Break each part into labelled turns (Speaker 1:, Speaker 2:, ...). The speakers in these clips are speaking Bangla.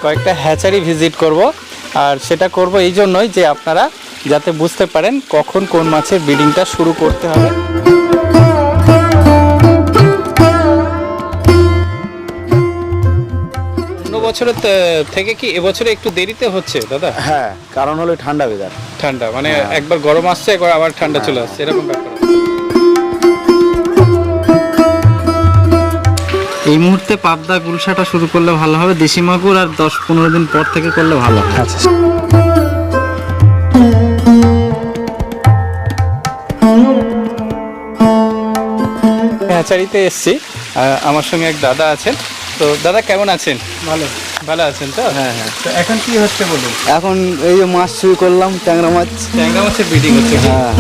Speaker 1: কয়েকটা হ্যাচারি ভিজিট করব, আর সেটা করব এই জন্যই যে আপনারা যাতে বুঝতে পারেন কখন কোন মাছের ব্রিডিংটা শুরু করতে হবে। অন্য বছরের থেকে কি এবছরে একটু দেরিতে হচ্ছে দাদা?
Speaker 2: হ্যাঁ, কারণ হলো ঠান্ডা ওয়েদার।
Speaker 1: ঠান্ডা মানে একবার গরম আসছে, একবার আবার ঠান্ডা চলে আসছে, এরকম ব্যাপার।
Speaker 3: এই মুহূর্তে পাবদা গুলশাটা শুরু করলে ভালো হবে, দেশি মাগুর আর 10-15 দিন পর থেকে করলে ভালো হবে।
Speaker 1: আচ্ছা, হ্যাচারিতে এসছি, আমার সঙ্গে এক দাদা আছেন। তো দাদা কেমন আছেন?
Speaker 2: ভালো।
Speaker 1: ভালো আছেন তো?
Speaker 2: হ্যাঁ হ্যাঁ।
Speaker 1: তো এখন কি হচ্ছে বলুন?
Speaker 2: এখন এই যে মাছ শুরু করলাম, ট্যাংরা মাছ।
Speaker 1: ট্যাংরা মাছের ব্রিডিং হচ্ছে কি?
Speaker 2: হ্যাঁ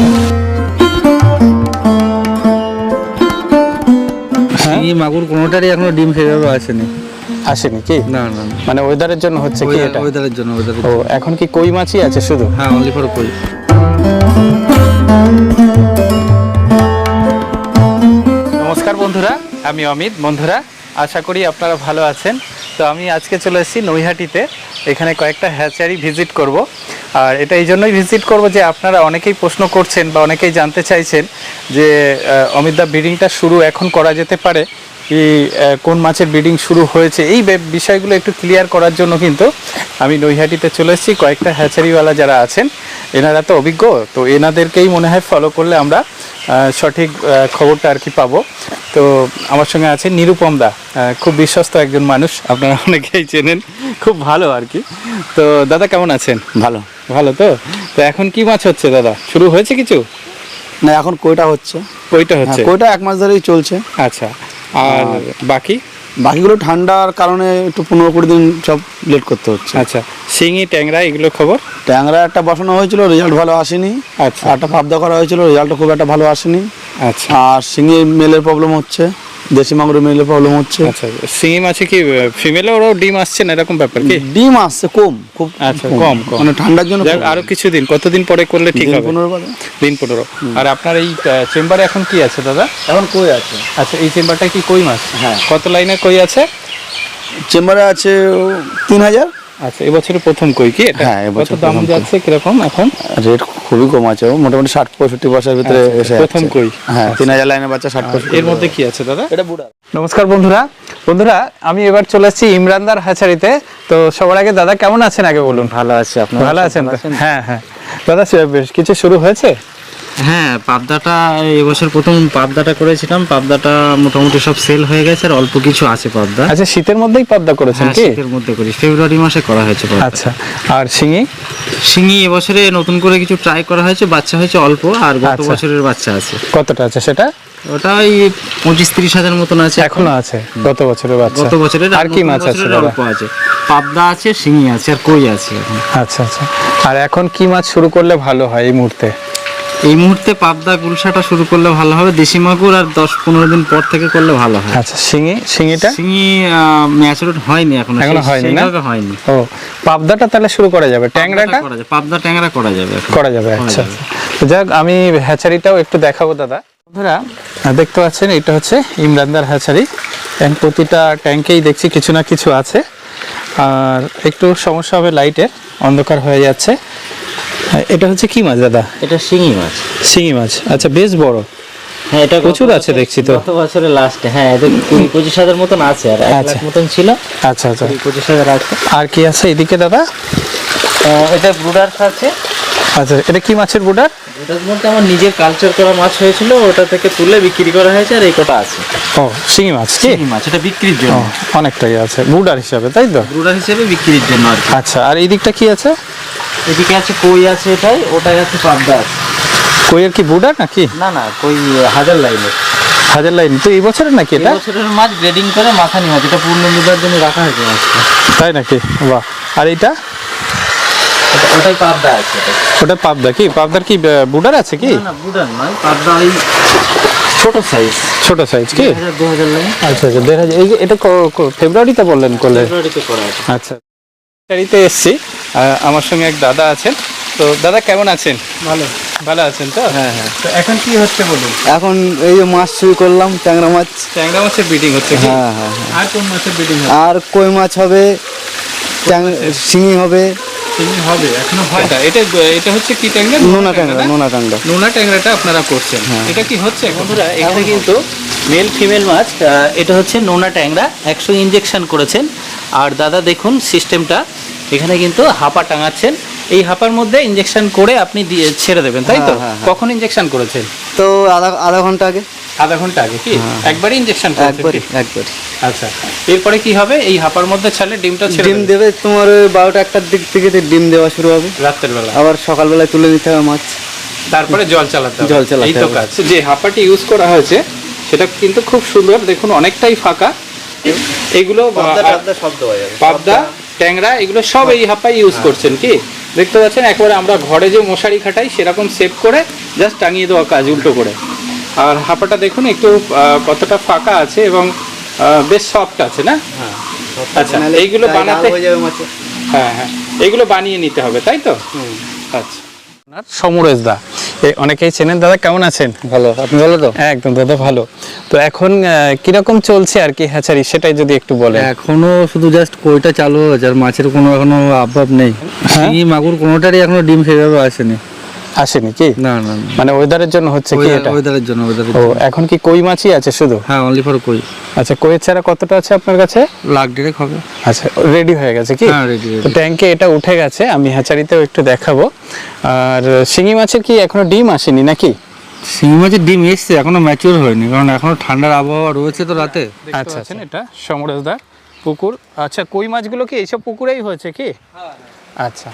Speaker 3: শিঙি মাগুর কোনোটারই এখনো ডিম সেভাবে আসেনি।
Speaker 1: আসেনি কি?
Speaker 3: না না,
Speaker 1: মানে ওয়েদারের জন্য হচ্ছে কি এটা?
Speaker 3: ওয়েদারের জন্য।
Speaker 1: ও, এখন কি কই মাছই আছে শুধু?
Speaker 3: হ্যাঁ, অনলি ফর কই।
Speaker 1: নমস্কার বন্ধুরা, আমি অমিত। বন্ধুরা, আশা করি আপনারা ভালো আছেন। তো আমি আজকে চলে এসেছি নৈহাটিতে। এখানে কয়েকটা হ্যাচারি ভিজিট করব, আর এটা এই জন্যই ভিজিট করব যে আপনারা অনেকেই প্রশ্ন করছেন বা অনেকেই জানতে চাইছেন যে অমিতদা ব্রিডিংটা শুরু এখন করা যেতে পারে কি, কোন মাছের ব্রিডিং শুরু হয়েছে, এই বিষয়গুলো একটু ক্লিয়ার করার জন্য কিন্তু আমি নৈহাটিতে চলে এসেছি। কয়েকটা হ্যাচারিওয়ালা যারা আছেন এনারা তো অভিজ্ঞ, তো এনাদেরকেই মনে হয় ফলো করলে আমরা সঠিক খবরটা আর কি পাবো। তো আমার সঙ্গে আছে নিরুপম দা, খুব বিশ্বস্ত একজন মানুষ, আপনারা অনেকেই চেনেন, খুব ভালো আর কি। তো দাদা কেমন আছেন?
Speaker 2: ভালো।
Speaker 1: ভালো তো? তো এখন কি মাছ হচ্ছে দাদা? শুরু হয়েছে কিছু?
Speaker 2: না, এখন কইটা হচ্ছে।
Speaker 1: কইটা হচ্ছে?
Speaker 2: কইটা 1 মাস ধরেই চলছে।
Speaker 1: আচ্ছা, আর বাকি
Speaker 2: বাকিগুলো ঠান্ডার কারণে একটু 15-20 দিন সব লেট করতে হচ্ছে।
Speaker 1: আচ্ছা, শিঙি ট্যাংরা এগুলো খবর?
Speaker 2: ট্যাংরা একটা বসানো হয়েছিল, রেজাল্ট ভালো আসেনি।
Speaker 1: আচ্ছা,
Speaker 2: একটা পাবদা করা হয়েছিল, রেজাল্টটা খুব একটা ভালো আসেনি।
Speaker 1: আচ্ছা
Speaker 2: আর শিঙি মেলের প্রবলেম হচ্ছে, দেশি মাগুরের মেলের প্রবলেম হচ্ছে।
Speaker 1: আচ্ছা। শিঙি মাছে কি ফিমেলে ওরাও ডিম আসছে না, এরকম ব্যাপার কি?
Speaker 2: ডিম আসছে কম, খুব
Speaker 1: আচ্ছা, কম কম,
Speaker 2: মানে ঠান্ডার জন্য।
Speaker 1: আরো কিছুদিন, কতদিন পরে করলে ঠিক হবে?
Speaker 2: 15 বাদে।
Speaker 1: দিন 15। আর আপনার এই চেম্বারে এখন কি আছে দাদা?
Speaker 2: এখন কই আছে।
Speaker 1: আচ্ছা, এই চেম্বারটা কি কই মাছ?
Speaker 2: হ্যাঁ।
Speaker 1: কত লাইনের কই আছে?
Speaker 2: চেম্বারে আছে 3000।
Speaker 1: আচ্ছা, এবছরের প্রথম কই কি এটা?
Speaker 2: হ্যাঁ,
Speaker 1: কত দাম যাচ্ছে কিরকম এখন?
Speaker 2: রেট খুবই কম আছে, মোটামুটি 60-65 পয়সার ভিতরে
Speaker 1: আচ্ছা,
Speaker 2: এসে
Speaker 1: প্রথম
Speaker 2: যাচ্ছে।
Speaker 1: কই?
Speaker 2: হ্যাঁ, 3000 লাইনের বাচ্চা 60-65।
Speaker 1: এর মধ্যে কি আছে দাদা?
Speaker 2: এটা বুড়া।
Speaker 1: নমস্কার বন্ধুরা, আমি এবার চলে এসেছি ইমরানদার হ্যাচারিতে। তো সবার আগে দাদা কেমন আছেন আগে বলুন?
Speaker 3: ভালো আছে। আপনার
Speaker 1: ভালো আছেন তো? হ্যাঁ হ্যাঁ দাদা, বেশ কিছু শুরু হয়েছে?
Speaker 3: হ্যাঁ, পাবদাটা এবছর প্রথম পাবদাটা করেছিলাম। পাবদাটা মোটামুটি সব সেল হয়ে গেছে, আর অল্প কিছু আছে পাবদা।
Speaker 1: আচ্ছা, শীতের মধ্যেই পাবদা করেছেন
Speaker 3: হ্যাঁ,
Speaker 1: কি?
Speaker 3: শীতের মধ্যে করি, ফেব্রুয়ারি মাসে করা হয়েছে পাবদা।
Speaker 1: আচ্ছা, আর শিঙি?
Speaker 3: শিঙি এবছরে নতুন করে কিছু ট্রাই করা হয়েছে, বাচ্চা হয়েছে অল্প, আর গত
Speaker 1: আচ্ছা।
Speaker 3: বছরের বাচ্চা আছে।
Speaker 1: কতটা আছে সেটা?
Speaker 3: ওটা ওই 25-30 হাজার মতন আছে
Speaker 1: এখনো আছে? গত বছরের বাচ্চা?
Speaker 3: গত বছরের।
Speaker 1: আর কি
Speaker 3: নতুন
Speaker 1: মাছ আছে
Speaker 3: বছরের
Speaker 1: দাদা?
Speaker 3: অল্প আছে, পাবদা আছে, শিঙি আছে, আর কই আছে এখন।
Speaker 1: আচ্ছা আচ্ছা। আর এখন কি মাছ শুরু করলে ভালো হয় এই মুহূর্তে?
Speaker 3: এই মুহূর্তে পাবদা গুলশাটা শুরু করলে ভালো হবে, দেশি মাগুর আর 10-15 দিন পর থেকে করলে ভালো হয়।
Speaker 1: আচ্ছা, শিঙিটা?
Speaker 3: শিঙি ম্যাচুরড হয়নি এখনো
Speaker 1: হয়নি না?
Speaker 3: সেইভাবে হয়নি।
Speaker 1: ও, পাবদাটা তাহলে শুরু করা যাবে, ট্যাংরাটা
Speaker 3: করা যায়, পাবদা ট্যাংরা করা যাবে এখন।
Speaker 1: করা যাবে। আচ্ছা, যাক, আমি হ্যাচারিটাও একটু দেখাবো দাদা। বন্ধুরা, দেখতে পাচ্ছেন এটা হচ্ছে ইমরানদার হ্যাচারি। প্রতিটা ট্যাঙ্কেই দেখছি কিছু না কিছু আছে, আর একটু সমস্যা হবে লাইটের, অন্ধকার হয়ে যাচ্ছে। এটা হচ্ছে কি মাছ দাদা?
Speaker 3: এটা শিঙি মাছ।
Speaker 1: শিঙি মাছ, আচ্ছা, বেশ বড়।
Speaker 3: হ্যাঁ, এটা
Speaker 1: প্রচুর আছে দেখছি তো।
Speaker 3: গত বছরের লাস্টে। হ্যাঁ, এটা 20-25 হাজার মতন আছে, আর 1
Speaker 1: আচ্ছা।
Speaker 3: লাখ মতন ছিল।
Speaker 1: আচ্ছা আচ্ছা।
Speaker 3: 25 হাজার আছে।
Speaker 1: আর কি আছে এদিকে দাদা?
Speaker 3: এটা ব্রুডার্স আছে।
Speaker 1: আচ্ছা, এটা কি মাছের বুডার?
Speaker 3: ব্রুডার্স বলতে আমার নিজের কালচার করা মাছ হয়েছিল, ওটা থেকে তুলে বিক্রি করা হয়েছে, আর এই কটা আছে।
Speaker 1: ও, শিঙি মাছ কি?
Speaker 3: শিঙি মাছ, এটা বিক্রির
Speaker 1: ও,
Speaker 3: জন্য,
Speaker 1: অনেকটাই আছে বুডার হিসাবে, তাই তো?
Speaker 3: ব্রুডার হিসেবে বিক্রির জন্য আর কি।
Speaker 1: আচ্ছা, আর এই দিকটা কি আছে?
Speaker 3: এদিকে আছে কই আছে, ওটাই আছে পাবদা আছে।
Speaker 1: কইয়ের কি বুডার নাকি?
Speaker 3: না না, কই হাজার লাইনের।
Speaker 1: হাজার লাইন তো এই বছরের নাকি এটা?
Speaker 3: বছরের মাছ গ্রেডিং করে মাথানি মাছ, এটা পূর্ণ মুদার জন্য রাখা হয়েছে মাছটা।
Speaker 1: তাই নাকি? বাহ। আর এইটা?
Speaker 3: ওটাই পাবদা আছে।
Speaker 1: ওটা পাবদা কি? পাবদার কি বুডার আছে কি?
Speaker 3: না না, বুডার নয়, পাবদা ওই ছোট সাইজ।
Speaker 1: ছোট সাইজ কি?
Speaker 3: 2000 লাইন।
Speaker 1: আচ্ছা আচ্ছা, 1500। এই এটা ফেব্রুয়ারিতে বললেন করলে?
Speaker 3: ফেব্রুয়ারিতে করা আছে।
Speaker 1: আচ্ছা, ফেব্রুয়ারিতে এসছি, আমার সঙ্গে এক দাদা আছেন। তো দাদা কেমন আছেন?
Speaker 2: ভালো।
Speaker 1: ভালো আছেন তো?
Speaker 2: হ্যাঁ হ্যাঁ।
Speaker 1: তো এখন কি হচ্ছে বলুন?
Speaker 2: এখন এই যে মাছ শুরু করলাম, ট্যাংরা মাছ।
Speaker 1: ট্যাংরা মাছের ব্রিডিং হচ্ছে কি?
Speaker 2: হ্যাঁ হ্যাঁ।
Speaker 1: আর কোন মাছের ব্রিডিং হচ্ছে?
Speaker 2: আর কই মাছ হবে শিঙি হবে,
Speaker 1: শিঙি হবে, এখনো হয় না। এটা এটা হচ্ছে কি ট্যাংরা?
Speaker 2: নোনা ট্যাংরা, নোনা ট্যাংরা।
Speaker 1: নোনা ট্যাংরাটা আপনারা করছেন, এটা কি হচ্ছে বন্ধুরা? এখানে কিন্তু মেল ফিমেল মাছ, এটা হচ্ছে নোনা ট্যাংরা 100 ইনজেকশন করেছেন। আর দাদা দেখুন সিস্টেমটা, এখানে কিন্তু হাপা টাঙাচ্ছেন, এই হাপার মধ্যে ইনজেকশন করে আপনি দিয়ে ছেড়ে দেবেন, তাই তো? কখন ইনজেকশন করেছেন?
Speaker 2: তো আধা ঘন্টা আগে।
Speaker 1: আধা ঘন্টা আগে কি একবারই ইনজেকশন করেছেন?
Speaker 2: একবারই।
Speaker 1: আচ্ছা, এরপরে কি হবে? এই হাপার মধ্যে ছাড়লে ডিমটা ছেড়ে
Speaker 2: ডিম দেবে তোমার ওই 12টা-1টার দিক থেকে ডিম দেওয়া শুরু হবে,
Speaker 1: রাতের বেলা।
Speaker 2: আবার সকালবেলায় তুলে নিতে হবে মাছ,
Speaker 1: তারপরে জল চালাতে হবে।
Speaker 2: জল চালাতে
Speaker 1: এই তো
Speaker 2: হবে।
Speaker 1: কাজ। যে হাপাটি ইউজ করা হয়েছে সেটা কিন্তু খুব সুন্দর, দেখুন অনেকটাই ফাঁকা। এগুলো
Speaker 2: সব দেওয়া যাবে,
Speaker 1: পাবদা, ট্যাংরা এগুলো সব এই হাপাই ইউজ করছেন কি? দেখতে পাচ্ছেন একেবারে আমরা ঘরে যে মশারি খাটাই সেরকম সেভ করে জাস্ট টাঙিয়ে দেওয়া কাজ উল্টো করে। আর হাপাটা দেখুন একটু কতটা ফাঁকা আছে এবং বেশ সফট আছে না? আচ্ছা, এইগুলো বানাতে
Speaker 2: হয়ে যাবে মাছে।
Speaker 1: হ্যাঁ হ্যাঁ, এগুলো বানিয়ে নিতে হবে, তাই তো? আচ্ছা। সমরেশ দা, অনেকেই চেনেন। দাদা কেমন আছেন?
Speaker 2: ভালো, আপনি ভালো তো?
Speaker 1: একদম দাদা ভালো। তো এখন কিরকম চলছে আর কি হ্যাচারি, সেটাই যদি একটু বলেন।
Speaker 2: এখনো শুধু জাস্ট কইটা চালু হয়েছে, আর মাছের কোনো এখনো আভাব নেই। শিঙি মাগুর কোনোটারই এখনো ডিম সেভাবে আসেনি।
Speaker 1: আসেনি কি?
Speaker 2: না না,
Speaker 1: মানে ওয়েদারের জন্য হচ্ছে কি এটা?
Speaker 2: ওয়েদারের জন্য।
Speaker 1: ও, এখন কি কই মাছই আছে শুধু?
Speaker 2: হ্যাঁ, অনলি ফর কই।
Speaker 1: আচ্ছা, কইয়ের চারা কতটা আছে আপনার কাছে?
Speaker 2: লাখ ডেরেক হবে।
Speaker 1: আচ্ছা, রেডি হয়ে গেছে কি?
Speaker 2: হ্যাঁ, রেডি।
Speaker 1: তো ট্যাঙ্কে এটা উঠে গেছে, আমি হ্যাচারিতেও একটু দেখাবো। আর শিঙি মাছের কি এখনো ডিম আসেনি নাকি?
Speaker 2: শিঙি মাছের ডিম এসছে, এখনো ম্যাচিওর হয়নি, কারণ এখনো ঠান্ডার আবহাওয়া রয়েছে তো রাতে।
Speaker 1: আচ্ছা, এটা সমরেশদার পুকুর। আচ্ছা, কই মাছগুলো কি এইসব পুকুরেই হয়েছে কি? আচ্ছা।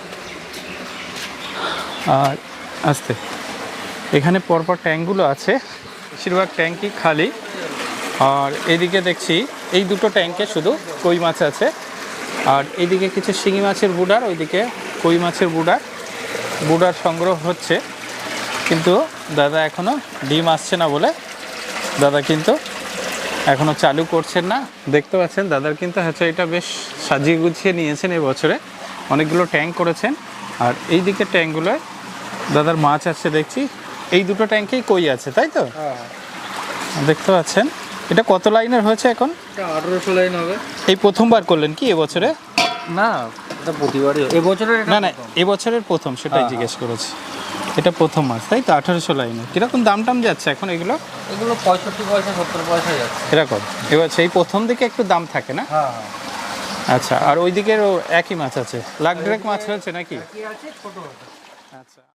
Speaker 1: আর আস্তে, এখানে পরপর ট্যাঙ্কগুলো আছে, বেশিরভাগ ট্যাঙ্কই খালি। আর এদিকে দেখছি এই দুটো ট্যাঙ্কে শুধু কই মাছ আছে, আর এইদিকে কিছু শিঙি মাছের বুডার, ওইদিকে কই মাছের বুডার সংগ্রহ হচ্ছে। কিন্তু দাদা এখনও ডিম আসছে না বলে দাদা কিন্তু এখনও চালু করছেন না। দেখতে পাচ্ছেন দাদার কিন্তু হ্যাচারিটা বেশ সাজিয়ে গুছিয়ে নিয়েছেন এবছরে, অনেকগুলো ট্যাঙ্ক করেছেন। আর এই দিকের ট্যাঙ্কগুলোয় দাদার মাছ আছে দেখছি, এই দুটো ট্যাঙ্কেই কই আছে, তাই তো? দেখতে পাচ্ছেন। এটা কত লাইনের হয়েছে এখন?
Speaker 2: 1800 লাইন হবে।
Speaker 1: এই প্রথমবার করলেন কি এবছরে?
Speaker 2: না, এটা প্রতিবারই এবছরের।
Speaker 1: না না, এবছরের প্রথম, সেটাই জিজ্ঞেস করেছি। এটা প্রথম মাছ, তাই তো? 1800 লাইনে। কীরকম দাম টাম যাচ্ছে এখন এগুলো?
Speaker 2: এগুলো 65 পয়সা 70 পয়সা যাচ্ছে
Speaker 1: এরকম। এবার সেই প্রথম দিকে একটু দাম থাকে না?
Speaker 2: হ্যাঁ।
Speaker 1: আচ্ছা, আর ওই দিকেরও একই মাছ আছে? লাখ ডেরেক মাছ হয়েছে নাকি?
Speaker 2: ছোট।
Speaker 1: আচ্ছা।